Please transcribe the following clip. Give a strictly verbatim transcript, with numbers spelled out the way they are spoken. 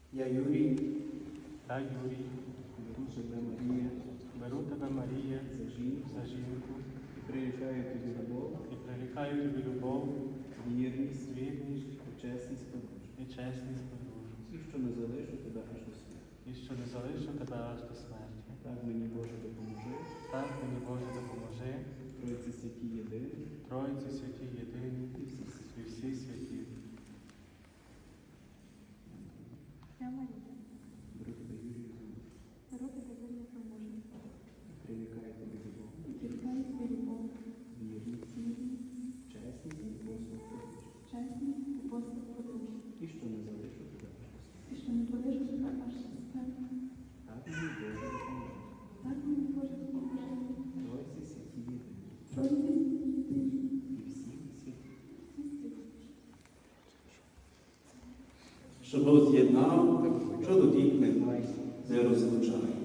Я Юрій, та Юрій, беру себе Марія беру тебе, Марія, за жінку за жінку і прирікаю тобі любов, і прирікаю тобі любов, вірність, вірність і чесність подружжя. і чесність подружжя, І що не залишу тебе аж до смерті. і що не залишу тебе аж до смерті. Так мені Боже допоможи, Так мені Боже допоможи, Тройці святі єдині Тройці святі єдині і всі святі. і всі святі. Я Марія, Беру тебе Юрію за муж беру тебе Юрія за мужа, і прирікаю тобі любов, і прирікаю тобі любов, вірність, вірність, чесність і послуг подружжя. чесність і послуг подружжя, І що не залишу тебе аж до смерті. і що не залишу тебе аж до смерті. Так мені Боже допоможи, Так мені Боже допоможи, Тройці святі єдині Тройці святі єдині, і всі святі. всі святі. Що Бог з'єднав, чоловік не розлучає.